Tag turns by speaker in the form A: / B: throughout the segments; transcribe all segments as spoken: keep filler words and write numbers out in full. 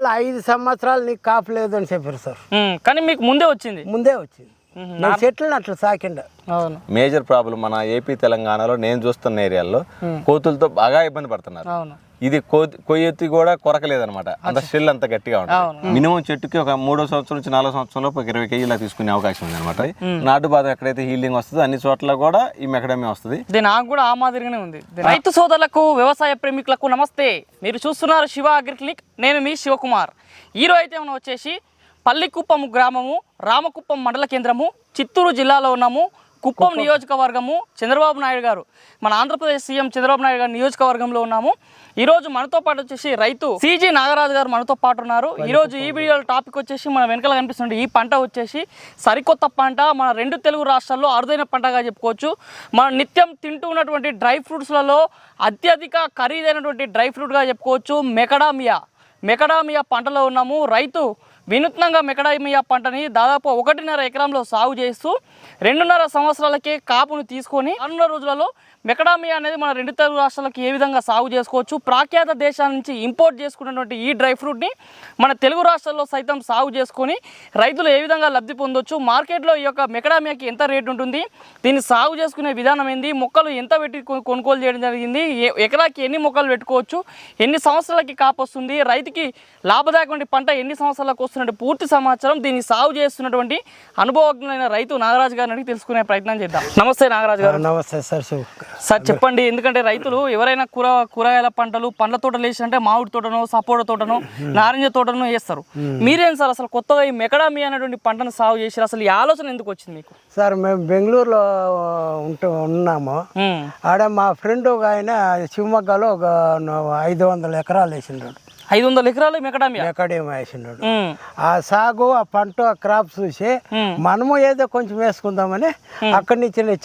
A: ఐదు సంవత్సరాలు నీకు కాపు లేదు అని చెప్పారు సార్.
B: కానీ మీకు ముందే వచ్చింది
A: ముందే వచ్చింది చెట్లను అట్లా సాకిండ.
B: అవును.
C: మేజర్ ప్రాబ్లం మన ఏపీ తెలంగాణలో నేను చూస్తున్న ఏరియాల్లో కోతులతో బాగా ఇబ్బంది పడుతున్నారు.
B: అవును.
C: ఇది కొయ్యెత్తి కూడా కొరకలేదనమాట, అంత స్టిల్ అంత గట్టిగా ఉంటుంది. మినిమం చెట్టుకి ఒక మూడో సంవత్సరం నుంచి నాలుగో సంవత్సరంలో ఒక ఇరవై కేజీలా తీసుకునే అవకాశం ఉంది అనమాట. నాటు బాధ ఎక్కడైతే హీలింగ్ వస్తుందో అన్ని చోట్ల కూడా ఈ మెకడమే వస్తుంది.
B: నాకు కూడా ఆ మాదిరిగానే ఉంది. రైతు సోదరులకు వ్యవసాయ ప్రేమికులకు నమస్తే. మీరు చూస్తున్నారు శివ అగ్రి క్లినిక్. నేను మీ శివకుమార్. ఈరోజు అయితే మనం వచ్చేసి పల్లికుప్పం గ్రామము, రామకుప్పం మండల కేంద్రము, చిత్తూరు జిల్లాలో ఉన్నాము. కుప్పం నియోజకవర్గము, చంద్రబాబు నాయుడు గారు, మన ఆంధ్రప్రదేశ్ సీఎం చంద్రబాబు నాయుడు గారు నియోజకవర్గంలో ఉన్నాము. ఈరోజు మనతో పాటు వచ్చేసి రైతు సిజి నాగరాజు గారు మనతో పాటు ఉన్నారు. ఈరోజు ఈ వీడియో టాపిక్ వచ్చేసి మన వెనకాల కనిపిస్తుంది ఈ పంట వచ్చేసి సరికొత్త పంట, మన రెండు తెలుగు రాష్ట్రాల్లో అరుదైన పంటగా చెప్పుకోవచ్చు. మనం నిత్యం తింటూ ఉన్నటువంటి డ్రై ఫ్రూట్స్లలో అత్యధిక ఖరీదైనటువంటి డ్రై ఫ్రూట్గా చెప్పుకోవచ్చు మెకడామియా. మెకడామియా పంటలో ఉన్నాము. రైతు వినూత్నంగా మెకడామియా పంటని దాదాపు ఒకటిన్నర ఎకరంలో సాగు చేస్తూ రెండున్నర సంవత్సరాలకే కాపును తీసుకొని రానున్న రోజులలో మెకడామియా అనేది మన రెండు తెలుగు రాష్ట్రాలకు ఏ విధంగా సాగు చేసుకోవచ్చు, ప్రాఖ్యాత దేశాల నుంచి ఇంపోర్ట్ చేసుకున్నటువంటి ఈ డ్రై ఫ్రూట్ని మన తెలుగు రాష్ట్రాల్లో సైతం సాగు చేసుకొని రైతులు ఏ విధంగా లబ్ధి పొందొచ్చు, మార్కెట్లో ఈ యొక్క మెకడామియాకి ఎంత రేటు ఉంటుంది, దీన్ని సాగు చేసుకునే విధానం ఏంది, మొక్కలు ఎంత పెట్టి కొనుగోలు చేయడం జరిగింది, ఎకరాకి ఎన్ని మొక్కలు పెట్టుకోవచ్చు, ఎన్ని సంవత్సరాలకి కాపు వస్తుంది, రైతుకి లాభదాయకమైన పంట ఎన్ని సంవత్సరాలకు వస్తున్నట్టు పూర్తి సమాచారం దీన్ని సాగు చేస్తున్నటువంటి అనుభవజ్ఞులైన రైతు నాగరాజు గారిని అడిగి తెలుసుకునే ప్రయత్నం చేద్దాం. నమస్తే నాగరాజు గారు.
A: నమస్తే సార్.
B: సార్ చెప్పండి, ఎందుకంటే రైతులు ఎవరైనా కూర కూరగాయల పంటలు పండ్ల తోటలు వేసినంటే మామిడి తోటను, సపోటా తోటను, నారింజ తోటను వేస్తారు. మీరేం సార్ అసలు కొత్తగా ఈ మెకడామియా అనేటువంటి పంటను సాగు చేసారు, అసలు ఈ ఆలోచన ఎందుకు వచ్చింది మీకు?
A: సార్ మేము బెంగళూరులో ఉంటూ ఉన్నాము. ఆడ మా ఫ్రెండ్ ఒక ఆయన శివమొగ్గలో ఒక ఐదు వందల ఎకరాలు వేసిండ్రు.
B: ఐదు వందల ఎకరాలు మెకడామియా
A: మెకడామియా వేసినాడు. ఆ సాగు, ఆ పంట, ఆ క్రాప్ చూసి మనము ఏదో కొంచెం వేసుకుందామని అక్కడి నుంచి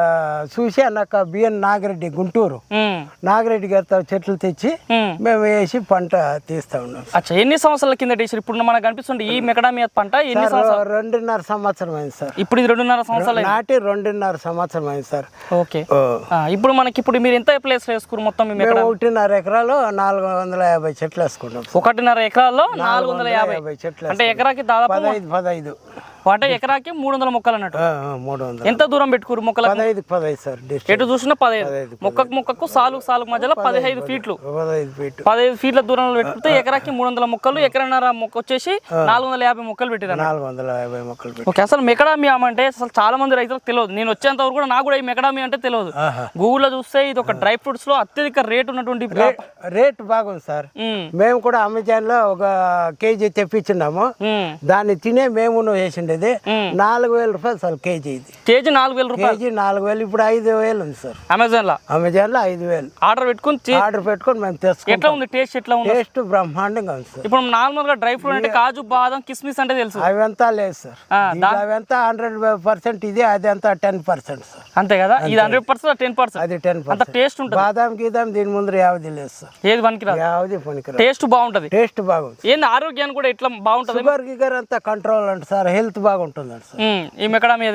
A: చూసి నాకు బిఎన్ నాగిరెడ్డి గుంటూరు నాగిరెడ్డి గారితో చెట్లు తెచ్చి మేము వేసి పంట తీస్తా ఉన్నాం.
B: అచ్చా, ఎన్ని సంవత్సరాల కింద వేసారు? ఇప్పుడు మనకు కనిపిస్తుంది ఈ మెకడామియా పంట ఎన్ని సంవత్సరాలు?
A: రెండున్నర సంవత్సరం అయింది సార్.
B: ఇప్పుడు ఇది రెండున్నర సంవత్సరాలు
A: నాటి రెండున్నర సంవత్సరం అయింది సార్.
B: ఓకే. ఇప్పుడు మనకి ఇప్పుడు మీరు ఎంత ప్లేస్ వేసుకున్నారు మొత్తం?
A: ఒకటిన్నర ఎకరాలు నాలుగు వందల యాభై చెట్లు వేసుకున్నాం.
B: ఒకటిన్నర ఎకరాల్లో నాలుగు వందల యాభై చెట్లు అంటే ఎకరాకి దాదాపు
A: పదహైదు పదహైదు
B: అంటే ఎకరాకి మూడు వందల మొక్కలు అన్నట్టు.
A: మూడు వందలు.
B: ఎంత దూరం పెట్టుకోరు మొక్కలు?
A: పదహైదు పదహైదు సార్.
B: ఎటు చూసినా పదహైదు, మొక్కకు మొక్కకు సాలుకు సాలుకు మధ్యలో పదిహైదు ఫీట్లు
A: పదహైదు ఫీట్లు
B: పదహైదు ఫీట్ల దూరంలో పెట్టుకుంటే ఎకరాకి మూడు వందల మొక్కలు, ఎకరన్నర మొక్క వచ్చేసి నాలుగు వందల యాభై మొక్కలు పెట్టారు.
A: నాలుగు వందల యాభై మొక్కలు.
B: ఓకే. అసలు మెకడామియా అంటే అసలు చాలా మంది రైతులకు తెలియదు. నేను వచ్చేంత వరకు కూడా నాకు కూడా ఈ మెకడామియా అంటే తెలియదు. గూగుల్లో చూస్తే ఇది ఒక డ్రై ఫ్రూట్స్ లో అత్యధిక రేట్ ఉన్నటువంటి
A: రేట్ బాగుంది సార్. మేము కూడా అమెజాన్ లో ఒక కేజీ తెప్పించున్నాము. దాన్ని తినే మేము వేసిండేది నాలుగు వేల రూపాయలు సార్ కేజీ. ఇది
B: కేజీ నాలుగు వేల రూపాయలు.
A: కేజీ నాలుగు వేలు ఇప్పుడు ఐదు వేలు ఉంది సార్
B: అమెజాన్ లో.
A: అమెజాన్ లో ఐదు వేలు
B: ఆర్డర్ పెట్టుకుని
A: ఆర్డర్ పెట్టుకుని మేము తెచ్చుకుంటాం.
B: ఎట్లా ఉంది టేస్ట్? ఎట్లా ఉంది?
A: టేస్ట్ బ్రహ్మాండంగా ఉంది సార్.
B: ఇప్పుడు నార్మల్ గా డ్రై ఫ్రూట్ అంటే కాజు, బాదం, కిస్మిస్ అంటే తెలుసు.
A: అవంతా లేదు సార్. అవంతా హండ్రెడ్ పర్సెంట్ ఇది, అది అంతా టెన్ పర్సెంట్ సార్.
B: అంతే కదా? ఇది హండ్రెడ్ పర్సెంట్ టెన్ పర్సెంట్
A: అది టెన్
B: అంత టేస్ట్ ఉంటుంది.
A: బాదాం గీదాం దీని ముందు యావది లేదు సార్.
B: ఏది పనికిరాదు,
A: యావది పనికిరాదు.
B: టేస్ట్ బాగుంటది.
A: టేస్ట్ బాగుంది.
B: ఏంది ఆరోగ్యాన్ని కూడా ఎట్లా బాగుంటది?
A: షుగర్ గిగర్ అంతా కంట్రోల్ అంటే సార్. హెల్త్ బాగుంటుంది అంట సార్
B: ఈ మెకడామియా.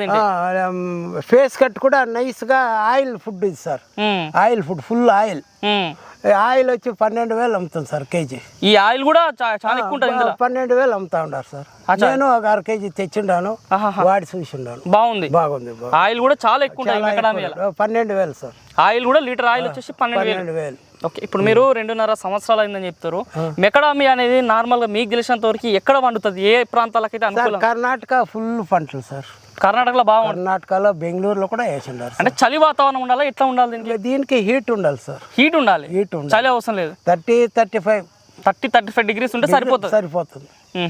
A: ఫేస్ కట్ కూడా నైస్ గా ఆయిల్ ఫుడ్ ఇది sir. Oil food, full oil. Oil వచ్చి పన్నెండు వేలు అమ్ముతుంది సార్ కేజీ.
B: ఈ ఆయిల్ కూడా చాలా ఎక్కువ ఉంటుంది.
A: పన్నెండు వేలు అమ్ముతా ఉంటారు సార్. నేను ఒక అర కేజీ తెచ్చిండాను, వాడి చూసిండాను.
B: బాగుంది, బాగుంది. ఆయిల్ కూడా చాలా ఎక్కువ ఉంటుంది.
A: పన్నెండు వేలు సార్.
B: ఆయిల్ కూడా లీటర్ ఆయిల్ వచ్చేసి పన్నెండు వేలు. ఓకే. ఇప్పుడు మీరు రెండున్నర సంవత్సరాలు అయిందని చెప్తారు. మెకడామియా అనేది నార్మల్ గా మీకు తెలిసినంత వరకు ఎక్కడ పండుతుంది? ఏ ప్రాంతాలకైతే అనుకూలం?
A: కర్ణాటక ఫుల్ పంటలు సార్.
B: కర్ణాటకలో బాగుంది.
A: కర్ణాటకలో, బెంగళూరులో కూడా వేసిండారు.
B: అంటే చలి వాతావరణం ఉండాలి, ఎట్లా ఉండాలి దీనికి?
A: దీనికి హీట్ ఉండాలి సార్.
B: హీట్ ఉండాలి,
A: హీట్ ఉండాలి.
B: చలి అవసరం లేదు.
A: Thirty thirty five
B: thirty thirty five degrees ఉంటే సరిపోతుంది.
A: సరిపోతుంది.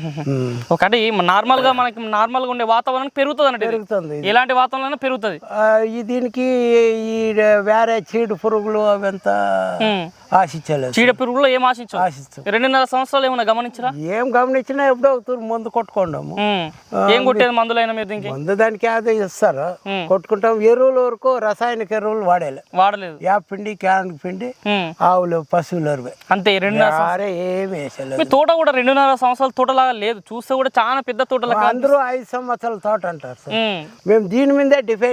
B: ఒకటి నార్మల్ గా మనకి నార్మల్ గా ఉండే వాతావరణం పెరుగుతుంది అంటే
A: పెరుగుతుంది.
B: ఎలాంటి వాతావరణం పెరుగుతుంది.
A: దీనికి ఈ వేరే చీడు పురుగులు అవంతా ఆశించలేదు.
B: చీడ పురుగులు ఏం ఆశించు ఆశిస్తాం. రెండున్నర సంవత్సరాలు ఏమైనా గమనించరా?
A: ఏం గమనించినా ఎప్పుడో మందు కొట్టుకోండాము.
B: ఏం కొట్టేది మందులైనా మీరు? దీనికి
A: మందు దానికి అదే ఇస్తారు, కొట్టుకుంటాం. ఎరువుల వరకు రసాయనిక ఎరువులు వాడేలే
B: వాడలేదు.
A: యాప్ పిండి, క్యాన్ పిండి, ఆవులు, పశువులు ఎరువే
B: అంతే. రెండున్నర
A: ఏమి వేసలేదు.
B: మీ తోట కూడా రెండున్నర సంవత్సరాల తోటలాగా లేదు, చూస్తే కూడా చాలా పెద్ద తోటలాగా.
A: అందరూ ఐదు సంవత్సరాల తోట అంటారు సార్. మేము దీని మీదే డిపెండ్.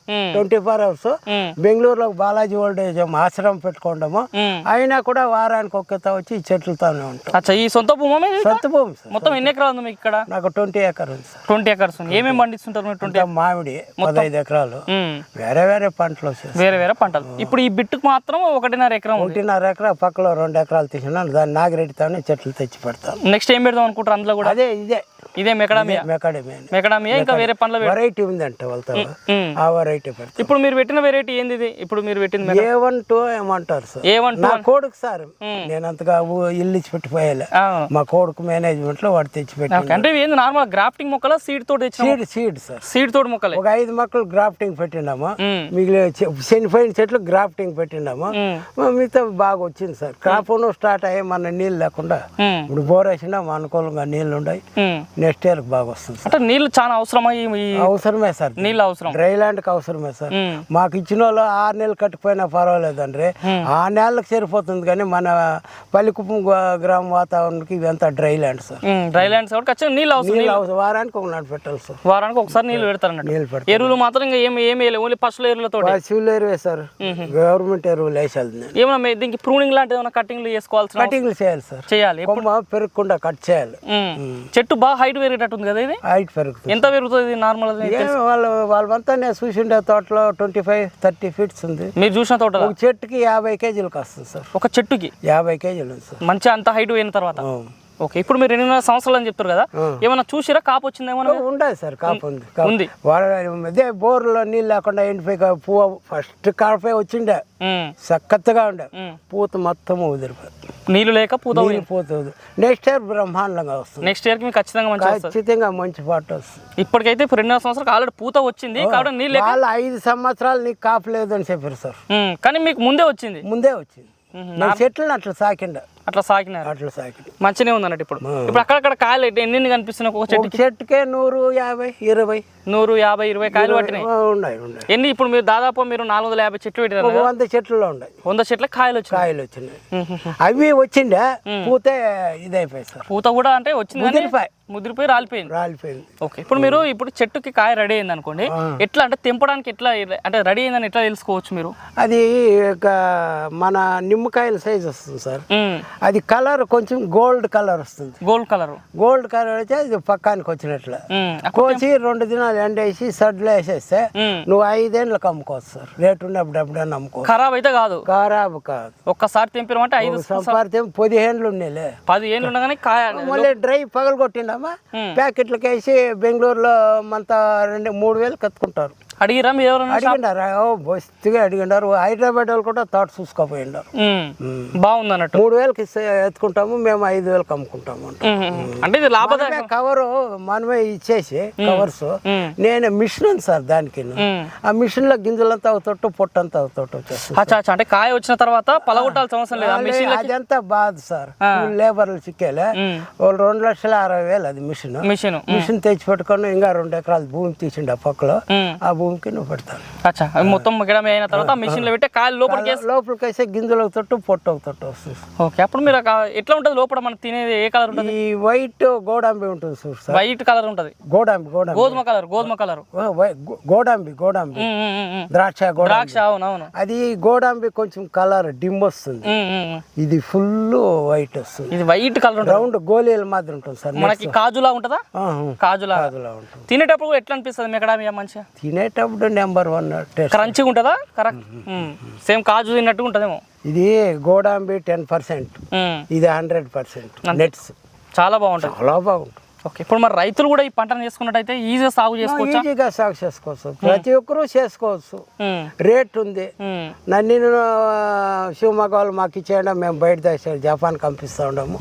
A: ట్వంటీ ఫోర్ అవర్స్ బెంగళూరులో బాలాజీ ఓల్డేజ్ ఆశ్రమం పెట్టుకోవడము అయినా కూడా వారానికి ఒక్కత వచ్చి ఈ చెట్లతోనే ఉంటాం.
B: అచ్చా, ఈ సొంత భూమి మీది?
A: సొంత భూమి సార్.
B: మొత్తం ఎన్ని ఎకరాలు ఉంది మీకు ఇక్కడ?
A: నాకు ట్వంటీ ఎకర్ ఉంది సార్.
B: ట్వంటీ ఎకర్స్ ఉంది. ఏమేమి పండిస్తుంటారు మీరు? ట్వంటీ
A: మామిడి పదహైదు ఎకరాలు, వేరే వేరే పంటలు వచ్చేసి
B: వేరే వేరే పంటలు. ఇప్పుడు ఈ బిట్టుకు మాత్రం ఒకటిన్నర ఎకరం ఉంది.
A: ఒకటిన్నర ఎకరా పక్కలో రెండు ఎకరాలు తీసినాను, దాన్ని నాగిరెడ్డితోనే చెట్లు తెచ్చి పెడతాను.
B: నెక్స్ట్ ఏం పెడదాం అనుకుంటారు అందులో కూడా?
A: అదే ఇదే
B: ఇదే మెకడామియా.
A: మెకాడమీ
B: మెకడామియా ఇంకా వేరే పండ్ల
A: వెరైటీ ఉందంటే వాళ్ళతో ఆ వెరైటీ పెడతాను.
B: ఇప్పుడు మీరు పెట్టిన వెరైటీ ఏంది ఇది? ఇప్పుడు మీరు పెట్టింది
A: ఏ వన్ టూ ఏమంటారు సార్?
B: ఏ వన్
A: నా కోడుకు సార్ నేను అంతగా ఊ- ఇల్లు ఇచ్చి పెట్టిపోయాలి. మా కోడుకు మేనేజ్మెంట్ లో వాడు తెచ్చి పెట్టి
B: అంటే ఇవి ఏంది నార్మల్ గ్రాఫ్టింగ్ మొక్కల సీడ్ తోటి తెచ్చిన
A: సీడ్ సీడ్ సార్.
B: సీడ్ తోటి మొక్కలే.
A: ఒక ఐదు మొక్కలు గ్రాఫ్టింగ్ పెట్టినాము,
B: మ్మ్.
A: మిగిలిన చె- చనిపోయిన చెట్లు గ్రాఫ్టింగ్ పెట్టినాము. మిగతా బాగా వచ్చింది సార్. క్రాప్ స్టార్ట్ అయ్యి మన నీళ్ళు లేకుండా
B: మ్మ్.
A: ఇప్పుడు బోర్ వేసినా అనుకూలంగా నీళ్ళు ఉన్నాయి.
B: మ్మ్.
A: నెక్స్ట్ ఇయర్ బాగా వస్తుంది సార్.
B: అంటే నీళ్ళు చాలా అవసరమా? ఈ ఈ
A: అవసరమే సార్,
B: నీళ్ళు అవసరం.
A: డ్రై ల్యాండ్ కి అవసరమే సార్.
B: మ్మ్.
A: మాకు ఇచ్చిన వాళ్ళు ఆరు నెలలు కట్టిపోయినా పర్వాలేదండి, ఆ నెలలకు సరిపోతుంది. కానీ మన పల్లికుప్పం గ్రా- గ్రామ వాతావరణానికి ఇదంతా డ్రై ల్యాండ్ సార్.
B: ఉమ్, డ్రై ల్యాండ్స్ కాబట్టి ఖచ్చితంగా నీళ్ళు అవసరం.
A: నీళ్ళు అవసరం, వారానికి ఒక నాడు పెట్టాలి సార్.
B: వారానికి ఒకసారి నీళ్ళు పెడతారన్నట్టు.
A: నీళ్ళు పెడతాం.
B: ఎరువులు మాత్రం ఇంకా ఏమి ఏమి వేయలేదు, ఓన్లీ పశువుల ఎరువులతో.
A: పశువులు ఎరువే సార్, గవర్నమెంట్ ఎరువులు వేసేది. నేను
B: ఏమన్నా మీ- దీనికి ప్రూనింగ్ లాంటిది ఏమైనా కటింగ్లు చేసుకోవాల్సిన
A: కటింగ్లు చేయాలి సార్.
B: చేయాలి.
A: కొమ్మ పెరగకుండా కట్ చేయాలి.
B: ఉమ్. చెట్టు బాగా హైట్ పెరిగేటట్టు ఉంది కదా ఇది?
A: హైట్ పెరుగుతుంది.
B: ఎంత పెరుగుతుంది నార్మల్?
A: ఏం వాళ్ళు వాళ్ళంతా నేను చూసిండే తోటలో ట్వంటీ ఫైవ్ థర్టీ ఫీట్స్ ఉంది.
B: మీరు చూసిన తోట
A: ఒక చెట్టుకి యాభై కేజీలకు వస్తుంది సార్.
B: ఒక చెట్టుకి
A: యాభై కేజీలు ఉంది సార్.
B: మంచిగా అంత హైట్ పోయిన తర్వాత.
A: ఆ.
B: ఓకే, ఇప్పుడు మీరు రెండున్నర సంవత్సరాలు అని చెప్తారు కదా, ఏమన్నా చూసిరా కాపు వచ్చిందేమో?
A: ఉండదు సార్, కాపు ఉంది.
B: ఉంది.
A: వాడ- అదే బోర్లో నీళ్ళు లేకుండా ఎండిపోయి కా- పువ్వు ఫస్ట్ కాపే వచ్చిండే
B: ఉమ్.
A: చక్కగా ఉండే,
B: ఉమ్.
A: పూత మొత్తం ఉదిరిపోయి
B: నీళ్ళు లేక పూత
A: నీళ్ళు పూత నెక్స్ట్ ఇయర్ బ్రహ్మాండంగా వస్తుంది.
B: నెక్స్ట్ ఇయర్ కి మీకు ఖచ్చితంగా మంచి వస్తుంది.
A: ఖచ్చితంగా మంచి పాట వస్తుంది.
B: ఇప్పటికైతే ఇప్పుడు రెండున్నర సంవత్సరాలు ఆల్రెడీ పూత వచ్చింది కాబట్టి నీళ్ళు లేక.
A: వాళ్ళు ఐదు సంవత్సరాలు నీకు కాపు లేదు అని చెప్పారు సార్.
B: ఉమ్, కానీ మీకు ముందే వచ్చింది.
A: ముందే వచ్చింది. నా చెట్లను అట్లా సాకిండ
B: అట్లా సాకినారు.
A: అట్లా సాకి
B: మంచిగా ఉంది అన్నట్టు. ఇప్పుడు ఇప్పుడు అక్కడక్కడ కాయలు ఎన్ని ఎన్ని కనిపిస్తున్నాయి ఒక
A: ఒక
B: చెట్టుకి?
A: చెట్టుకే నూరు యాభై ఇరవై
B: నూరు యాభై ఇరవై కాయలు పట్టినాయి.
A: ఆ, ఉన్నాయి ఉన్నాయి.
B: ఎన్ని ఇప్పుడు మీరు దాదాపు మీరు నాలుగు వందల యాభై చెట్లు పెట్టారు
A: ఒక
B: కదా,
A: వంద చెట్లలో ఉన్నాయి.
B: వంద చెట్ల కాయలు వచ్చినాయి.
A: కాయలు వచ్చినాయి. అవి వచ్చిండే పూతే ఇదైపోయి సార్.
B: పూత కూడా అంటే వచ్చింది కానీ
A: ముదిరిపోయి.
B: ముదిరిపోయి రాలిపోయింది.
A: రాలిపోయింది.
B: ఓకే, ఇప్పుడు మీరు ఇప్పుడు చెట్టుకి కాయ రెడీ అయింది అనుకోండి, ఎట్లా అంటే తెంపడానికి ఎట్లా అంటే రెడీ అయిందని ఎట్లా తెలుసుకోవచ్చు మీరు?
A: అది ఒక మన నిమ్మకాయల సైజ్ వస్తుంది సార్.
B: ఉమ్,
A: అది కలర్ కొంచెం గోల్డ్ కలర్ వస్తుంది.
B: Gold colour.
A: గోల్డ్ కలర్ అయితే అది పక్కానికి వచ్చినట్లు. కోసి రెండు దినాలు ఎండేసి సడ్లు వేసేస్తే నువ్వు ఐదేళ్ళకి అమ్ముకోవచ్చు సార్. రేటు ఉన్నప్పుడు ఎప్పుడైనా అమ్ముకోవచ్చు.
B: ఖరాబ్ అయితే కాదు,
A: ఖరాబు కాదు.
B: ఒక్కసారి తెంపినామంటే ఐదు
A: సంపాదితే పదిహేనులు ఉండేలే.
B: పది ఏళ్ళు ఉండగానే కాయ.
A: మళ్ళీ డ్రై పగలగొట్టిండమ్మా, ప్యాకెట్లకి వేసి బెంగళూరులో మంత రెండు మూడు వేలు కత్తుకుంటారు.
B: అడిగిరా మీరు ఎవరైనా?
A: అడిగిండారు, ఓ బొస్తుగా అడిగిండారు. హైదరాబాద్ వాళ్ళు కూడా తోట చూసుకోపోయిండారు.
B: బాగుంది అన్నట్టు.
A: మూడు వేలకి ఇస్తే ఎత్తుకుంటాము, మేము ఐదు వేలకు అమ్ముకుంటాము అంట.
B: అంటే ఇది లాభదాయకం.
A: కవరు మనమే ఇచ్చేసి కవర్స్, నేను మిషన్ ఉంది సార్ దానికి. ఆ మిషన్ లో గింజలంతా అవుతట్టు పొట్టంతా అవుతట్టు వచ్చేస్తుంది.
B: అచ్చా అచ్చా, అంటే కాయ వచ్చిన తర్వాత పలగొట్టాల్సిన అవసరం లేదు. ఆ మిషన్
A: అదంతా బాధ సార్. లేబర్లు చిక్కేలే వాళ్ళు రెండు లక్షల అరవై వేలు అది మిషన్.
B: మిషన్
A: మిషన్ తెచ్చి పెట్టుకొని ఇంకా రెండు ఎకరాలు భూమి తీసిండు ఆ పక్కలో, ఆ భూమికి నువ్వు పెడతాను.
B: అచ్చా, అవి మొత్తం గిడమ అయిన తర్వాత మిషన్ లో పెట్టి కాయలు లోపలికి వేసి
A: లోపలికి వేసే గింజలు అవుతట్టు పొట్టు అవుతట్టు వస్తుంది.
B: ఓకే, అప్పుడు మీరు ఆ ఎట్లా ఉంటుంది లోపల మనకి తినేది? ఏ కలర్ ఉంటుంది?
A: ఈ వైట్ గోడాంబి ఉంటుంది చూడు సార్.
B: వైట్ కలర్ ఉంటుంది.
A: గోడాంబి గోడాంబి
B: గోధుమ కలర్. గోధుమ కలర్.
A: గోడాంబి గోడాంబి ద్రాక్ష గోడాంబి.
B: ద్రాక్ష, అవునవును.
A: అది గోడాంబి కొంచెం కలర్ డిమ్ వస్తుంది. ఇది ఫుల్ వైట్ వస్తుంది.
B: ఇది వైట్ కలర్ ఉంటుంది.
A: రౌండ్ గోళీల మాదిరి ఉంటుంది సార్.
B: మనకి కాజులా ఉంటుందా? కాజులా
A: కాజులా ఉంటుంది.
B: తినేటప్పుడు ఎట్లా అనిపిస్తుంది మెకడామియా? మంచిగా
A: తినేటప్పుడు నెంబర్ వన్ టేస్ట్.
B: క్రంచిగా ఉంటుందా? కరెక్ట్, సేమ్ కాజు తిన్నట్టు ఉంటుందేమో.
A: ఇది గోడాంబి టెన్ పర్సెంట్, ఇది హండ్రెడ్ పర్సెంట్ నెట్స్.
B: చాలా బాగుంటుంది.
A: చాలా బాగుంటుంది.
B: ఓకే, ఇప్పుడు మరి రైతులు కూడా ఈ పంటను చేసుకున్నట్టయితే ఈజీగా సాగు చేసుకోవచ్చు.
A: ఈజీగా సాగు చేసుకోవచ్చు, ప్రతి ఒక్కరూ చేసుకోవచ్చు. రేట్ ఉంది. నన్ను శివమొగ్గ వాళ్ళు మాకు ఇచ్చేయండి, మేము బయట దేశం జపాన్ పంపిస్తూ ఉండము.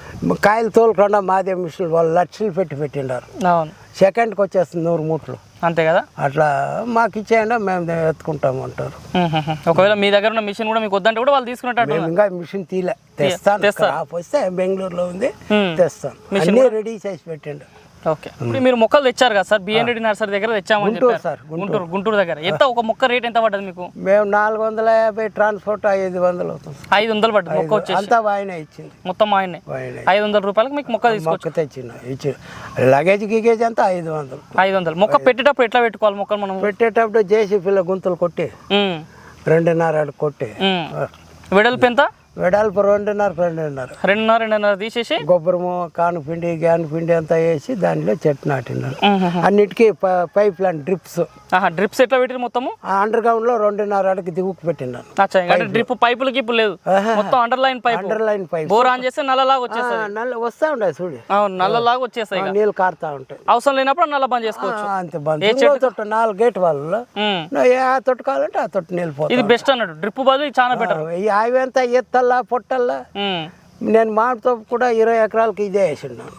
A: కాయలు తోలుకుండా మాదే మిషన్లు వాళ్ళు లక్షలు పెట్టి పెట్టిండారు.
B: అవును,
A: సెకండ్కి వచ్చేస్తుంది నూరు మూట్లు.
B: అంతే కదా.
A: అట్లా మాకు ఇచ్చేయండి, మేము ఎత్తుకుంటాము అంటారు.
B: ఒకవేళ మీ దగ్గర ఉన్న మిషన్ కూడా మీకు వద్దంటే కూడా వాళ్ళు తీసుకున్నట్టు.
A: మేము ఇంకా మిషన్ తీలే, తెస్తాను. క్రాప్ వస్తే బెంగళూరులో ఉంది, తెస్తాను. అన్నీ రెడీ చేసి పెట్టండి.
B: ఓకే ఇప్పుడు మీరు మొక్కలు తెచ్చారు కదా సార్ బిఎన్ రెడ్డి నర్సరీ దగ్గర తెచ్చామని
A: గుంటూరు
B: చెప్పారు
A: సార్,
B: గుంటూరు గుంటూరు దగ్గర ఎంత ఒక మొక్క రేట్ ఎంత పడ్డది మీకు?
A: మేము నాలుగు వందల యాభై ట్రాన్స్పోర్ట్ ఐదు వందలు అవుతుంది సార్.
B: ఐదు వందలు పడ్డది మొక్క వచ్చేసి
A: అంతా ఆయనే ఇచ్చింది,
B: మొత్తం ఆయనే
A: ఆయనే
B: ఐదు వందల రూపాయలకి మీకు మొక్క తీసుకోవచ్చు.
A: మొక్క తెచ్చిన ఇచ్చి లగేజ్ గిగేజ్ అంతా ఐదు వందలు.
B: ఐదు వందలు మొక్క పెట్టేటప్పుడు ఎట్లా పెట్టుకోవాలి మొక్కలు మనం?
A: పెట్టేటప్పుడు జేసీపీలో గుంతలు కొట్టి
B: ఉమ్,
A: రెండున్నర అడుగు కొట్టి
B: ఉమ్. వెడల్పు ఎంత?
A: వెడల్పు రెండున్నర రెండున్నర
B: రెండున్నర రెండున్నర తీసేసి
A: గొబ్బరము కాను పిండి గ్యాన్ పిండి అంతా వేసి దానిలో చెట్టు నాటినారు.
B: ఉహుహు.
A: అన్నిటికీ ప- పైప్ లైన్ డ్రిప్స్
B: ఆహా డ్రిప్స్ ఎట్లా పెట్టిరు మొత్తము?
A: అండర్ గ్రౌండ్ లో రెండున్నర అడుగు దిగుకు పెట్టినాను.
B: అచ్చా, అంటే డ్రిప్ పైపులు గిప్పు లేదు,
A: ఆహా.
B: మొత్తం under line pipe.
A: Under line pipe
B: bore on చేస్తే నల్లలాగా వచ్చేస్తుంది.
A: నల్ల వస్తా ఉండే చూడు,
B: అవును నల్లలాగా వచ్చేస్తాయి. ఇక
A: నీళ్ళు కారుతా ఉంటాయి.
B: అవసరం లేనప్పుడు నల్ల బంద్ చేసుకోవచ్చు.
A: ఆ, అంతే బంద్. ఇంకో తొట్టు నాలుగు గేట్ వాళ్ళు
B: ఉమ్.
A: ఏ ఆ తొట్టు కావాలంటే ఆ తొట్టు నీళ్ళు పోతా.
B: ఇది బెస్ట్ అన్నట్టు, డ్రిప్ బదులు ఇది చాలా బెటర్.
A: ఈ అవి అంతా ఎత్తల్లా పొట్టల్లా. నేను మామిడితో కూడా ఇరవై ఎకరాలకి ఇదే వేసిన్నాను.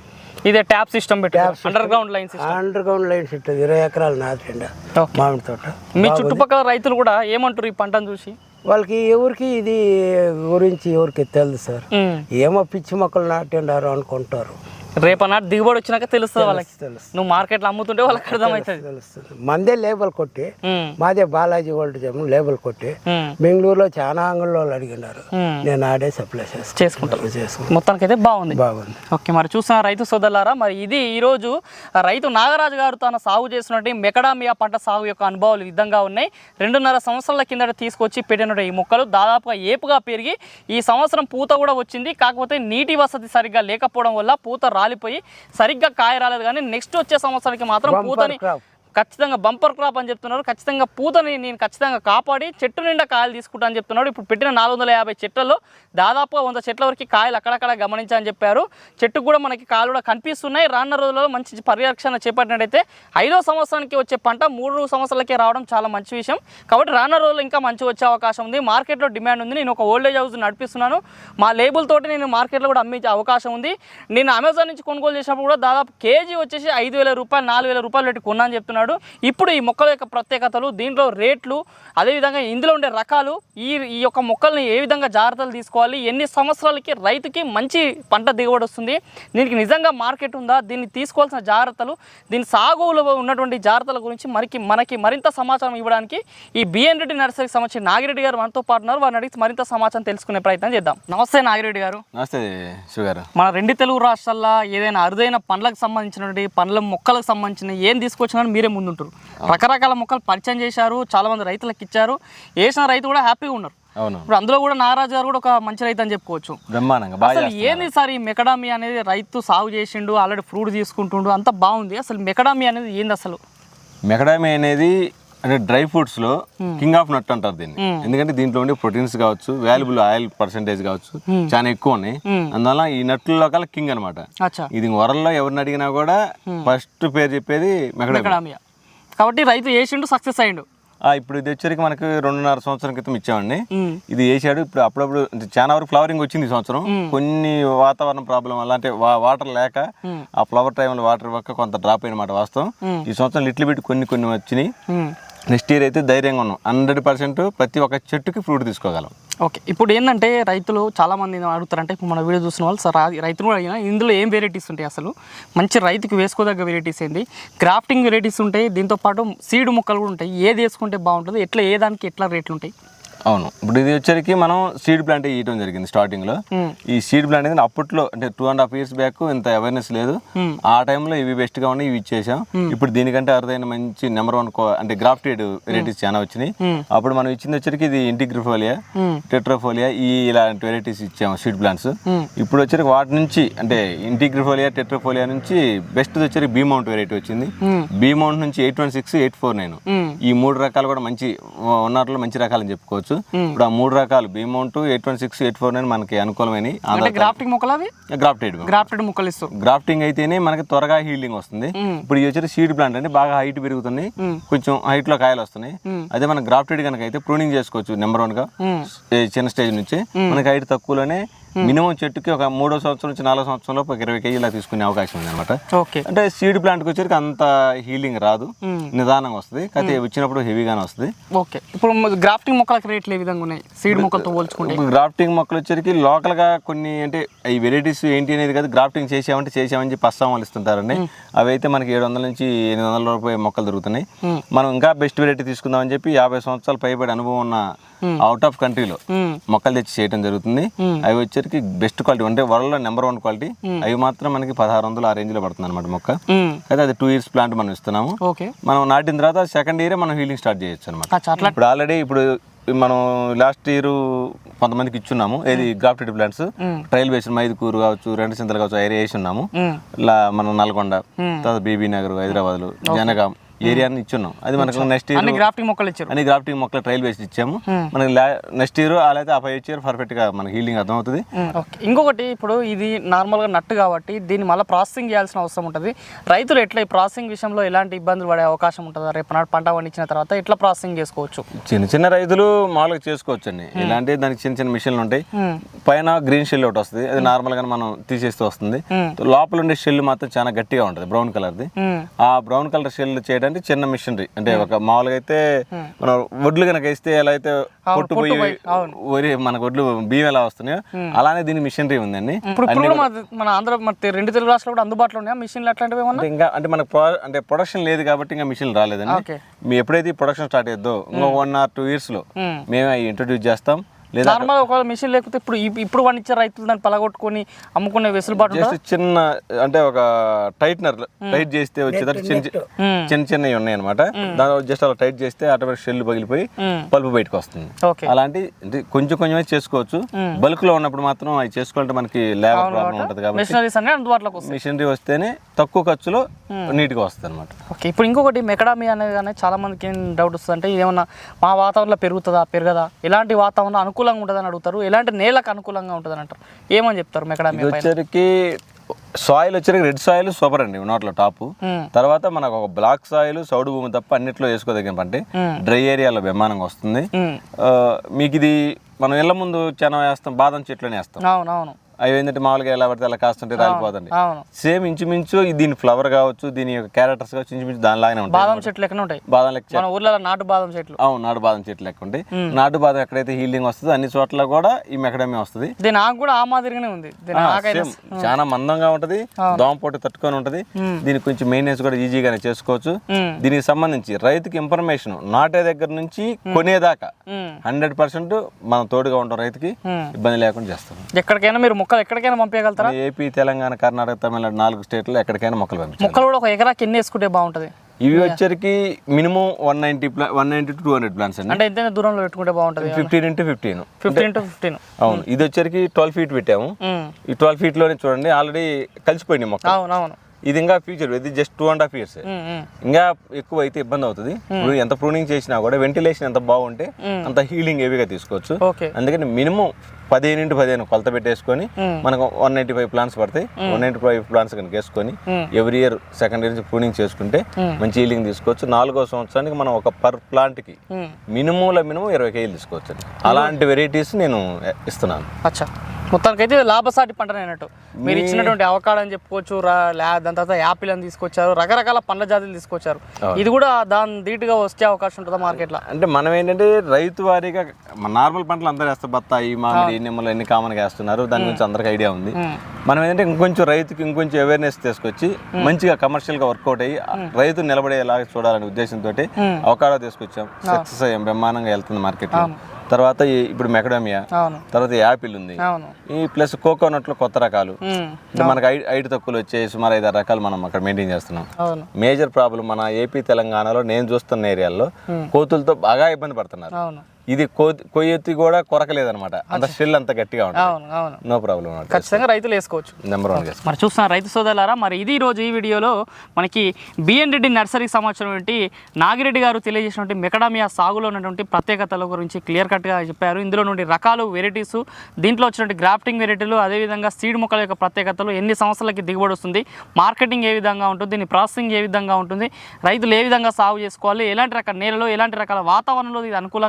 B: ఇదే ట్యాప్ సిస్టమ్ పెట్టి underground line system.
A: Underground lines ఇట్టదు, ఇరవై ఎకరాలు నాటిండ
B: ఓకే.
A: మామిడి తోట.
B: మీ చుట్టుపక్కల రైతులు కూడా ఏమంటారు ఈ పంటను చూసి?
A: వాళ్ళకి ఎవరికి ఇది గురించి ఎవరికి తెలుసు సార్.
B: ఉమ్.
A: ఏమో పిచ్చి మొక్కలు నాటిండారు అనుకుంటారు.
B: రేపనాడు దిగుబడి వచ్చినాక తెలుస్తుంది వాళ్ళకి.
A: తెలుసు
B: నువ్వు మార్కెట్లో అమ్ముతుంటే వాళ్ళకి అర్థమవుతుంది.
A: తెలుస్తుంది. మందే లేబుల్ కొట్టి,
B: ఉమ్.
A: మాదే బాలాజీ గోల్డ్ జమ్ లేబుల్ కొట్టి
B: ఉమ్.
A: బెంగళూరులో చాలా అంగళ్ళు వాళ్ళు అడిగినారు.
B: ఉమ్.
A: నేను ఆడే సప్లై చేస్తాను
B: చేసుకుంటారు.
A: చేసుకుంటాను.
B: మొత్తానికి అయితే బాగుంది.
A: బాగుంది.
B: ఓకే, మరి చూసిన రైతు సోదరులారా, మరి ఇది ఈరోజు రైతు నాగరాజు గారు తన సాగు చేసినటువంటి మెకడామియా పంట సాగు యొక్క అనుభవాలు ఈ విధంగా ఉన్నాయి. రెండున్నర సంవత్సరాల కిందట తీసుకొచ్చి పెట్టినటువంటి ఈ మొక్కలు దాదాపుగా ఏపుగా పెరిగి ఈ సంవత్సరం పూత కూడా వచ్చింది. కాకపోతే నీటి వసతి సరిగ్గా లేకపోవడం వల్ల పూత రాలిపోయి సరిగ్గా కాయ రాలేదు. కానీ నెక్స్ట్ వచ్చే సంవత్సరానికి మాత్రం పూతని
A: crop.
B: ఖచ్చితంగా బంపర్ క్రాప్ అని చెప్తున్నారు. ఖచ్చితంగా పూతని నేను ఖచ్చితంగా కాపాడి చెట్టు నిండా కాయలు తీసుకుంటా అని చెప్తున్నాడు. ఇప్పుడు పెట్టిన నాలుగు వందల యాభై చెట్లలో దాదాపుగా వంద చెట్ల వరకు కాయలు అక్కడక్కడ గమనించాలని చెప్పారు. చెట్టుకు కూడా మనకి కాయలు కూడా కనిపిస్తున్నాయి. రానున్న రోజుల్లో మంచి పరిరక్షణ చేపట్టినట్టయితే ఐదో సంవత్సరానికి వచ్చే పంట మూడు సంవత్సరాలకే రావడం చాలా మంచి విషయం. కాబట్టి రానున్న రోజుల్లో ఇంకా మంచి వచ్చే అవకాశం ఉంది. మార్కెట్లో డిమాండ్ ఉంది. నేను ఒక ఓల్డేజ్ హౌస్ నడిపిస్తున్నాను. మా లేబుల్ తోటి నేను మార్కెట్లో కూడా అమ్మించే అవకాశం ఉంది. నేను అమెజాన్ నుంచి కొనుగోలు చేసినప్పుడు కూడా దాదాపు కేజీ వచ్చేసి ఐదు వేల రూపాయలు నాలుగు వేల రూపాయలు పెట్టి కొన్నాను చెప్తున్నాను. ఇప్పుడు ఈ మొక్కల యొక్క ప్రత్యేకతలు, దీంట్లో రేట్లు, అదేవిధంగా ఇందులో ఉండే రకాలు, ఈ ఈ యొక్క మొక్కల్ని ఏ విధంగా జాగ్రత్తలు తీసుకోవాలి, ఎన్ని సంవత్సరాలకి రైతుకి మంచి పంట దిగుబడి వస్తుంది, దీనికి నిజంగా మార్కెట్ ఉందా, దీన్ని తీసుకోవాల్సిన జాగ్రత్తలు, దీని సాగులో ఉన్నటువంటి జాగ్రత్తల గురించి మనకి మనకి మరింత సమాచారం ఇవ్వడానికి ఈ బిఎన్ రెడ్డి నర్సరీకి సంబంధించి నాగిరెడ్డి గారు మనతో పాటు ఉన్నారు. వారిని అడిగి మరింత సమాచారం తెలుసుకునే ప్రయత్నం చేద్దాం. నమస్తే నాగిరెడ్డి గారు.
C: నమస్తే షుగర్.
B: మన రెండు తెలుగు రాష్ట్రాల్లో ఏదైనా అరుదైన పండ్లకు సంబంధించినటువంటి పండ్ల మొక్కలకు సంబంధించిన ఏం తీసుకొచ్చినా మీరే ముందుంటారు. రకరకాల మొక్కలు పరిచయం చేశారు, చాలా మంది రైతులకు ఇచ్చారు. వేసిన రైతు కూడా హ్యాపీగా ఉన్నారు.
C: అవును,
B: ఇప్పుడు అందులో కూడా నాగరాజు గారు కూడా ఒక మంచి రైతు అని చెప్పుకోవచ్చు.
C: బ్రహ్మాండంగా బాగా
B: అసలు ఏంది సార్ ఈ మెకడామి అనేది? రైతు సాగు చేసిండు, ఆల్రెడీ ఫ్రూట్ తీసుకుంటుండు, అంత బాగుంది. అసలు మెకడామి అనేది ఏంది అసలు?
C: మెకడామి అనేది అంటే డ్రై ఫ్రూట్స్ లో కింగ్ ఆఫ్ నట్ అంటారు దీన్ని. ఎందుకంటే దీంట్లో ఉండే ప్రోటీన్స్ కావచ్చు, వాల్యుబుల్ ఆయిల్ పర్సెంటేజ్ కావచ్చు చాలా ఎక్కువ ఉన్నాయి. అందువల్ల ఈ నట్లలో కల కింగ్ అనమాట.
B: అచ్చా,
C: ఇది వరల్లో ఎవరిని అడిగినా కూడా ఫస్ట్ పేరు చెప్పేది మెకడామి.
B: మెకడామియా. కాబట్టి రైతు వేసిండు, సక్సెస్ అయ్యిండు.
C: ఇప్పుడు ఇది వచ్చరికి మనకి రెండున్నర సంవత్సరం క్రితం ఇచ్చామండి. ఇది వేసాడు. ఇప్పుడు అప్పుడప్పుడు చాలా వరకు ఫ్లవరింగ్ వచ్చింది ఈ సంవత్సరం. కొన్ని వాతావరణ ప్రాబ్లం వల్ల, అంటే వాటర్ లేక ఆ ఫ్లవర్ టైంలో వాటర్ ఇవ్వక కొంత డ్రాప్ అయినమాట వాస్తవం. ఈ సంవత్సరం లిటిల్ బిట్ కొన్ని కొన్ని వచ్చినాయి. నెక్స్ట్ ఇయర్ అయితే ధైర్యంగా ఉన్నాం. హండ్రెడ్ పర్సెంట్ ప్రతి ఒక్క చెట్టుకి ఫ్రూట్ తీసుకోగలం.
B: ఓకే, ఇప్పుడు ఏంటంటే రైతులు చాలా మంది అడుగుతారంటే, ఇప్పుడు మన వీడియో చూసిన వాళ్ళు సార్ రైతులు కూడా అడిగినా ఇందులో ఏం వెరైటీస్ ఉంటాయి, అసలు మంచి రైతుకి వేసుకోదగ్గ వెరైటీస్ ఏంటి, గ్రాఫ్టింగ్ వెరైటీస్ ఉంటాయి, దీంతోపాటు సీడ్ మొక్కలు కూడా ఉంటాయి, ఏది వేసుకుంటే బాగుంటుంది, ఎట్లా ఏ దానికి ఎట్లా రేట్లు ఉంటాయి?
C: అవును, ఇప్పుడు ఇది వచ్చరికి మనం సీడ్ ప్లాంట్ ఇవ్వడం జరిగింది స్టార్టింగ్ లో. ఈ సీడ్ ప్లాంట్ అనేది అప్పట్లో అంటే two and half years back ఇంత అవేర్నెస్ లేదు. ఆ టైంలో ఇవి బెస్ట్ గా ఉన్నాయి, ఇవి ఇచ్చేసాం. ఇప్పుడు దీనికంటే అరుదైన మంచి నెంబర్ వన్ అంటే గ్రాఫ్టెడ్ వెరైటీస్ చాలా వచ్చినాయి. అప్పుడు మనం ఇచ్చింది వచ్చరికి ఇది ఇంటిగ్రిఫోలియా, టెట్రాఫోలియా, ఈ ఇలాంటి వెరైటీస్ ఇచ్చాము సీడ్ ప్లాంట్స్. ఇప్పుడు వచ్చరికి వాటి నుంచి అంటే ఇంటిగ్రిఫోలియా, టెట్రాఫోలియా నుంచి బెస్ట్ వచ్చరికి బీ మౌంట్ వెరైటీ వచ్చింది. బీ మౌంట్ నుంచి eight one six eight four nine ఈ మూడు రకాలు కూడా మంచి ఉన్నట్లో మంచి రకాలని చెప్పుకోవచ్చు. ఇప్పుడు ఆ మూడు రకాలు Beaumont, eight one six eight four nine మనకి అనుకూలమైన
B: గ్రాఫ్టింగ్ మొక్కలు. అవి గ్రాఫ్టెడ్ గ్రాఫ్టెడ్ మొక్కలు ఇస్తారు.
C: గ్రాఫ్టింగ్ అయితేనే మనకి త్వరగా హీల్డింగ్ వస్తుంది. ఇప్పుడు ఇది వచ్చి సీడ్ ప్లాంట్ అంటే బాగా హైట్ పెరుగుతుంది, కొంచెం హైట్ లో కాయలు వస్తున్నాయి. అదే మన గ్రాఫ్టెడ్ కనుక అయితే ప్రూనింగ్ చేసుకోవచ్చు. నెంబర్ వన్ గా చిన్న స్టేజ్ నుంచి మనకి హైట్ తక్కువలోనే మినిమం చెట్టుకి ఒక మూడో సంవత్సరం నుంచి నాలుగో సంవత్సరంలో ఒక ఇరవై కేజీలా తీసుకునే అవకాశం ఉంది అనమాట.
B: ఓకే.
C: అంటే సీడ్ ప్లాంట్కి వచ్చేసరికి అంత హీలింగ్ రాదు, నిదానంగా వస్తుంది, అయితే వచ్చినప్పుడు హెవీగానే వస్తుంది.
B: ఓకే. ఇప్పుడు గ్రాఫ్టింగ్ మొక్కలకి రేట్లు ఏ విధంగా ఉన్నాయి సీడ్ మొక్కలతో పోల్చుకుంటే?
C: ఇప్పుడు గ్రాఫ్టింగ్ మొక్కలు వచ్చేసరికి లోకల్గా కొన్ని అంటే ఈ వెరైటీస్ ఏంటి అనేది కదా, గ్రాఫ్టింగ్ చేసామంటే చేసామని చెప్పి అస్సాం వాళ్ళు ఇస్తుంటారండి. అవి అయితే మనకి ఏడు వందల నుంచి ఎనిమిది వందల రూపాయల మొక్కలు దొరుకుతున్నాయి. మనం ఇంకా బెస్ట్ వెరైటీ తీసుకుందామని చెప్పి యాభై సంవత్సరాలు పైబడి అనుభవం ఉన్న అవుట్ ఆఫ్ కంట్రీలో మొక్కలు తెచ్చి చేయడం జరుగుతుంది. అవి వచ్చరికి బెస్ట్ క్వాలిటీ అంటే వరల్డ్ లో నెంబర్ వన్ క్వాలిటీ. అవి మాత్రం మనకి పదహారు వందలు ఆ రేంజ్ లో పడుతుంది అనమాట మొక్క. అయితే అది టూ ఇయర్స్ ప్లాంట్ మనం ఇస్తున్నాము. మనం నాటిన తర్వాత సెకండ్ ఇయర్ మనం హీలింగ్ స్టార్ట్ చేయొచ్చు అనమాట. ఇప్పుడు ఆల్రెడీ ఇప్పుడు మనం లాస్ట్ ఇయర్ కొంతమందికి ఇచ్చున్నాము, ఏది grafted plants trial base Mydukur కావచ్చు, రెండు సింతలు కావచ్చు, ఏరియా వేసి ఉన్నాము. ఇలా మనం నల్గొండ, తర్వాత బీబీ నగర్, హైదరాబాద్, జనగాం ఏరియాని ఇచ్చున్నాం. అది మనకు నెక్స్ట్ ఇయర్
B: అన్ని గ్రాఫ్టింగ్ మొక్కలు ఇచ్చారు,
C: అన్ని గ్రాఫ్టింగ్ మొక్కలు ట్రయల్ వేసి ఇచ్చాము. మనకి నెక్స్ట్ ఇయర్ అలా అయితే ఆ ఫైవ్ ఇయర్ పర్ఫెక్ట్ గా మనకి హీలింగ్ అర్థం అవుతుంది.
B: ఇంకొకటి, ఇప్పుడు ఇది నార్మల్ గా నట్టు కాబట్టి దీన్ని మళ్ళీ ప్రాసెసింగ్ చేయాల్సిన అవసరం ఉంటుంది. రైతులు ఎట్లా ఈ ప్రాసెసింగ్ విషయంలో ఎలాంటి ఇబ్బందులు పడే అవకాశం ఉంటుందా? రేపు నాడు పంట పండించిన తర్వాత ఎట్లా ప్రాసెసింగ్ చేసుకోవచ్చు?
C: చిన్న చిన్న రైతులు మామూలుగా చేసుకోవచ్చు అండి. ఇలాంటి దానికి చిన్న చిన్న మిషన్లు ఉంటాయి. పైన గ్రీన్ షెల్ ఒకటి వస్తుంది, అది నార్మల్ గా మనం తీసేస్తూ వస్తుంది. లోపల ఉండే షెల్ మాత్రం చాలా గట్టిగా ఉంటుంది, బ్రౌన్ కలర్ ది. ఆ బ్రౌన్ కలర్ షెల్ చేయడానికి చిన్న మిషనరీ, అంటే ఒక మామూలుగా అయితే మనం వడ్లు కనుక వేస్తే ఎలా అయితే పొట్టు పోయి వరి మనకు వడ్లు బియ్యం ఎలా వస్తున్నాయో అలానే దీని మిషనరీ ఉందండి.
B: మన ఆంధ్ర రెండు తెలుగు రాష్ట్రాలు కూడా అందుబాటులో ఉన్నాయా మిషన్లు అట్లాంటివి?
C: ఇంకా అంటే మనకు అంటే ప్రొడక్షన్ లేదు కాబట్టి ఇంకా మిషన్లు రాలేదండి. మీ ఎప్పుడైతే ప్రొడక్షన్ స్టార్ట్ అయ్యో ఇంకో వన్ ఆర్ టూ ఇయర్స్ లో మేమే ఇంట్రొడ్యూస్ చేస్తాం.
B: నార్మల్ ఒకవేళ మిషన్ లేకపోతే ఇప్పుడు ఇప్పుడు పండించే రైతులు దాన్ని పలగొట్టుకొని అమ్ముకునే వెసులుబాటు
C: జస్ట్ చిన్న అంటే ఒక టైట్నర్ టైట్ చేస్తే వచ్చేదానికి చిన్న చిన్న చిన్నవి ఉన్నాయి అనమాట. దాని జస్ట్ అలా టైట్ చేస్తే ఆటోమేటిక్ షెల్ పగిలిపోయి పల్పు బయటకు వస్తుంది. అలాంటి కొంచెం కొంచెమే చేసుకోవచ్చు. బల్క్ లో ఉన్నప్పుడు మాత్రం అవి చేసుకోవాలంటే మనకి లేబర్ ప్రాబ్లం ఉంటుంది కాబట్టి మిషనరీ వస్తేనే తక్కువ ఖర్చులో నీట్ గా వస్తుంది అనమాట.
B: ఓకే. ఇప్పుడు ఇంకొకటి మెకడామీ అనేది కానీ చాలా మందికి ఏం డౌట్ వస్తుంది అంటే ఏమన్నా మా వాతావరణంలో పెరుగుతుందా పెరగదా, ఎలాంటి వాతావరణం అనుకూలంగా ఉంటుందని అడుగుతారు, ఎలాంటి నేలకు అనుకూలంగా ఉంటుందని అంటారు, ఏమని చెప్తారు? మెకడామీ
C: వచ్చరికి సాయిల్ వచ్చరికి రెడ్ సాయిల్ సూపర్ అండి నోట్లో టాప్. తర్వాత మనకు ఒక బ్లాక్ సాయిల్ సౌడు భూమి తప్ప అన్నిట్లో వేసుకోదగిన పంట. డ్రై ఏరియాలో బ్రహ్మాండంగా వస్తుంది. మీకు ఇది మనం ఇళ్ళ ముందు చెన వేస్తాం, బాదం చెట్లని వేస్తాం.
B: అవునవును.
C: అవి ఏంటంటే మామూలుగా ఎలా పడితే అలా కాస్తుంటే రాలిపోదండి. సేమ్ ఇంచుమించు దీని ఫ్లవర్ కావచ్చు, దీని యొక్క క్యారెక్టర్స్ కావచ్చు, ఇంచుమించు దానిలాగానే ఉంటాయి.
B: బాదం చెట్లు లెక్కనే ఉంటాయి.
C: బాదం లెక్క
B: ఊర్లో నాటు బాదం చెట్లు.
C: అవును, నాటు బాదం చెట్లు లెక్క ఉంటాయి. నాటు బాదం ఎక్కడైతే హీలింగ్ వస్తుందో అన్ని చోట్ల కూడా ఈ మెకడమీ వస్తుంది.
B: దీని ఆకు కూడా ఆ మాదిరిగానే ఉంది,
C: చాలా మందంగా ఉంటది, దోమపోటు తట్టుకొని ఉంటది. దీనికి కొంచెం మెయింటెనెన్స్ కూడా ఈజీగానే చేసుకోవచ్చు. దీనికి సంబంధించి రైతుకి ఇన్ఫర్మేషన్ నాటే దగ్గర నుంచి కొనేదాకా హండ్రెడ్ పర్సెంట్ మనం తోడుగా ఉంటాం, రైతుకి ఇబ్బంది లేకుండా చేస్తాం.
B: ఎక్కడికైనా మీరు మొక్కలు ఎక్కడికైనా పంపించగలుగుతారా?
C: ఏపీ, తెలంగాణ, కర్ణాటక, తమిళనాడు నాలుగు స్టేట్లో ఎక్కడికైనా మొక్కలు పంపించాలి.
B: మొక్కలు కూడా ఒక ఎకరాకి ఎన్ని వేసుకుంటే బాగుంటది?
C: ఇవి వచ్చరికి minimum one ninety one ninety two two hundred plants అండి.
B: అంటే ఎంత దూరంలో పెట్టుకుంటే బాగుంటది?
C: Fifteen into fifteen
B: fifteen into fifteen
C: అవును. ఇది వచ్చరికి ట్వెల్వ్ ఫీట్ పెట్టాము. ఈ ట్వెల్వ్ ఫీట్ లోనే చూడండి ఆల్రెడీ కలిసిపోయింది మొక్క.
B: అవునవును.
C: ఇది ఇంకా ఫ్యూచర్, ఇది just two and half years. ఇంకా ఎక్కువ అయితే ఇబ్బంది అవుతుంది. ఇప్పుడు ఎంత ప్రూనింగ్ చేసినా కూడా వెంటిలేషన్ ఎంత బాగుంటే అంత హీలింగ్ హెవీగా తీసుకోవచ్చు. అందుకని మినిమం పదిహేను ఇంటూ పదిహేను కొలత పెట్టేసుకొని మనకు వన్ నైన్టీ ఫైవ్ ప్లాంట్స్ పడతాయి. వన్ నైన్టీ ఫైవ్ ప్లాంట్స్ కనుక వేసుకొని ఎవ్రీ ఇయర్ సెకండ్ ఇయర్ నుంచి ప్రూనింగ్ చేసుకుంటే మంచి హీలింగ్ తీసుకోవచ్చు. నాలుగో సంవత్సరానికి మనం ఒక పర్ ప్లాంట్ కి మినిమంలో మినిమం ఇరవై కేజీలు తీసుకోవచ్చు. అలాంటి వెరైటీస్ నేను ఇస్తున్నాను.
B: అచ్చా, మొత్తానికైతే లాభసాటి పంట అన్నట్టు మీరు ఇచ్చినటువంటి అవకాడో అని చెప్పుకోవచ్చు. దాని తర్వాత యాపిల్ అని తీసుకొచ్చారు, రకరకాల పండ్ల జాతులు తీసుకొచ్చారు. ఇది కూడా దాని ధీటుగా వచ్చే అవకాశం ఉంటుందా మార్కెట్లో?
C: అంటే మనం ఏంటంటే రైతు వారీగా నార్మల్ పంటలు అందరూ వేస్తారు, బత్తాయి, మామిడి, నిమ్మలు అన్ని కామన్గా వేస్తున్నారు. దాని గురించి అందరికి ఐడియా ఉంది. మనం ఏంటంటే ఇంకొంచెం రైతుకి ఇంకొంచెం అవేర్నెస్ తీసుకొచ్చి మంచిగా కమర్షియల్ గా వర్కౌట్ అయ్యి రైతు నిలబడేలాగా చూడాలనే ఉద్దేశంతో అవకాడో తీసుకొచ్చాం. సక్సెస్ అయ్యాం, బ్రహ్మాండంగా వెళ్తుంది మార్కెట్ లో. తర్వాత ఇప్పుడు మెకడామియా, తర్వాత యాపిల్ ఉంది, ఈ ప్లస్ కోకోనట్ లో కొత్త రకాలు మనకు ఐదు తక్కువలు వచ్చే సుమారు ఐదారు రకాలు మనం అక్కడ మెయింటైన్ చేస్తున్నాం. మేజర్ ప్రాబ్లం మన ఏపీ తెలంగాణలో నేను చూస్తున్న ఏరియాలో కోతులతో బాగా ఇబ్బంది పడుతున్నారు. ఇది కొయ్యెత్తి కూడా కొరకలేదనమాట, అంత షెల్ అంత గట్టిగా ఉంటుంది. నో ప్రాబ్లం,
B: ఖచ్చితంగా రైతులు వేసుకోవచ్చు.
C: Number one.
B: మరి చూస్తున్న రైతు సోదరులారా, మరి ఇది రోజు ఈ వీడియోలో మనకి బిఎన్ రెడ్డి నర్సరీకి సంబంధించినటువంటి నాగిరెడ్డి గారు తెలియజేసినటువంటి మెకడామియా సాగులో ఉన్నటువంటి ప్రత్యేకతల గురించి క్లియర్ కట్గా చెప్పారు. ఇందులో నుండి రకాలు, వెరైటీస్, దీంట్లో వచ్చినటువంటి గ్రాఫ్టింగ్ వెరైటీలు, అదేవిధంగా సీడ్ మొక్కల యొక్క ప్రత్యేకతలు, ఎన్ని సంవత్సరాలకి దిగుబడి వస్తుంది, మార్కెటింగ్ ఏ విధంగా ఉంటుంది, దీని ప్రాసెసింగ్ ఏ విధంగా ఉంటుంది, రైతులు ఏ విధంగా సాగు చేసుకోవాలి, ఎలాంటి రకాల నేలలో ఎలాంటి రకాల వాతావరణంలో ఇది అనుకూలంగా ఉంటుంది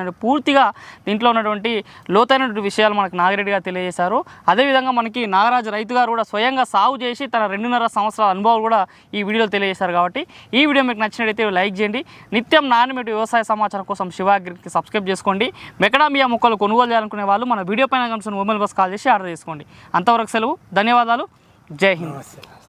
B: సంబంధించిన పూర్తిగా దీంట్లో ఉన్నటువంటి లోతైనటువంటి విషయాలు మనకు నాగిరెడ్డి గారు తెలియజేశారు. అదేవిధంగా మనకి నాగరాజు రైతు గారు కూడా స్వయంగా సాగు చేసి తన రెండున్నర సంవత్సరాల అనుభవాలు కూడా ఈ వీడియోలో తెలియజేశారు. కాబట్టి ఈ వీడియో మీకు నచ్చినట్లయితే లైక్ చేయండి. నిత్యం నాణ్యమైన వ్యవసాయ సమాచారం కోసం శివ అగ్రికి సబ్స్క్రైబ్ చేసుకోండి. మెకడామియా మొక్కలు కొనుగోలు చేయాలనుకునే వాళ్ళు మన వీడియో పైన కనుక మొబైల్ బస్ కాల్ చేసి ఆర్డర్ చేసుకోండి. అంతవరకు సెలవు. ధన్యవాదాలు. జై హింద్.